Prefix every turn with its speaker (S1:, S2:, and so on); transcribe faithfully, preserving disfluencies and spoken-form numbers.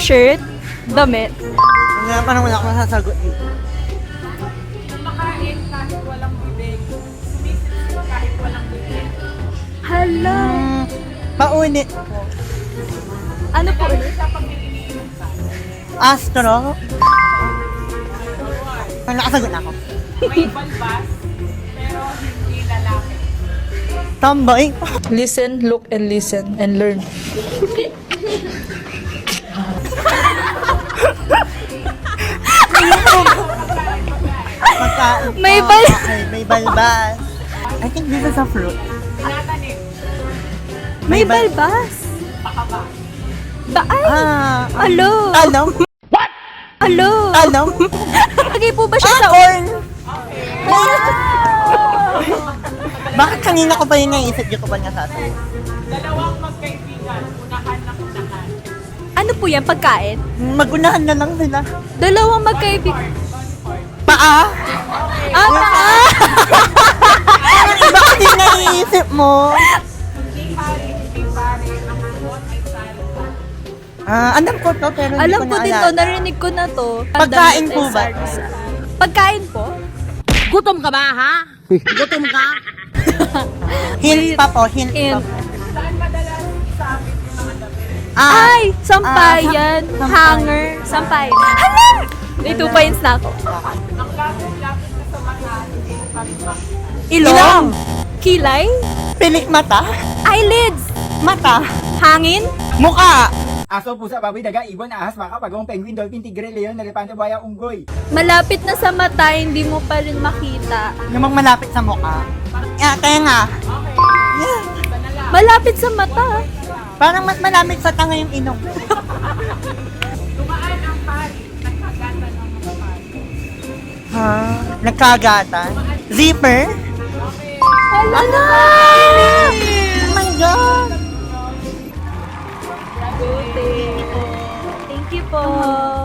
S1: Shirt? Damit?
S2: Nga pa naman ako nasasagot dito.
S3: Kumakain kahit walang bibig. Sumisip kahit walang bibig.
S1: Hala.
S2: Hmm, paunit po.
S1: Ano po ulit?
S3: Sa pag iniinom ka.
S2: Astro? Ay, nakasagot na ako.
S3: May balbas, pero hindi lalaki.
S2: Tomboy?
S4: Listen, look, and listen, and learn.
S2: Pagka,
S1: May
S2: oh,
S1: bal-
S2: okay, may balbas. I think this is a fruit.
S3: Tinatanim.
S1: May
S2: bal-
S1: balbas.
S3: Pakaba.
S1: Ba ay!
S2: Ah,
S1: Alo!
S2: Alam?
S1: Alo!
S2: Alam?
S1: Lagay po ba siya
S2: Ah,
S1: sa
S2: corn! Bakit kanina ko pa yun naisip yung ko pa niya sa atin?
S3: Dalawang magkaibigan. Unahan ng unahan.
S1: Ano po yan? Pagkain?
S2: Magunahan na lang sila.
S1: Dalawang magkaibigan.
S2: Paa?
S1: Ah, paa!
S2: Bakit yung naiisip mo?
S3: Hindi pare, hindi pare. Ang suot ay salsa.
S2: Ah, alam ko to pero hindi
S1: Alam
S2: ko
S1: ko din to,
S2: naalala.
S1: narinig ko na to.
S2: Pagkain po ba?
S1: Pagkain po?
S5: Gutom ka ba, ha? Gutom ka?
S2: Hint pa po, hint,
S1: Hint.
S2: pa po.
S3: Saan madalas isabit yung mga damit?
S2: Ah,
S1: Ay! Sampayan!
S2: Ah, sam-
S1: Hanger! Sampayan! Hala! May two points na ako.
S3: Ang lapit-lapit na sa mata, hindi pa rin makita.
S1: Ilong?
S2: Ilong.
S1: Kilay?
S2: pilik mata?
S1: Eyelids?
S2: Mata?
S1: Hangin?
S2: Mukha?
S6: Aso, pusa, baboy, daga, ibon, ahas, maka, pagong, penguin, dolphin, tigre, leon, elepante, buhaya, unggoy.
S1: Malapit na sa mata, hindi mo pa rin makita.
S2: Namang malapit sa mukha. Ah, tenga. Yeah.
S1: Malapit sa mata.
S2: Parang mas malapit sa tanga yung ilong.
S3: Dumaan ang pari, nagkagatan ng mga pari.
S2: Ha? Nagkagatan? Zipper?
S1: Hala!
S2: Oh my God!
S1: Thank you po.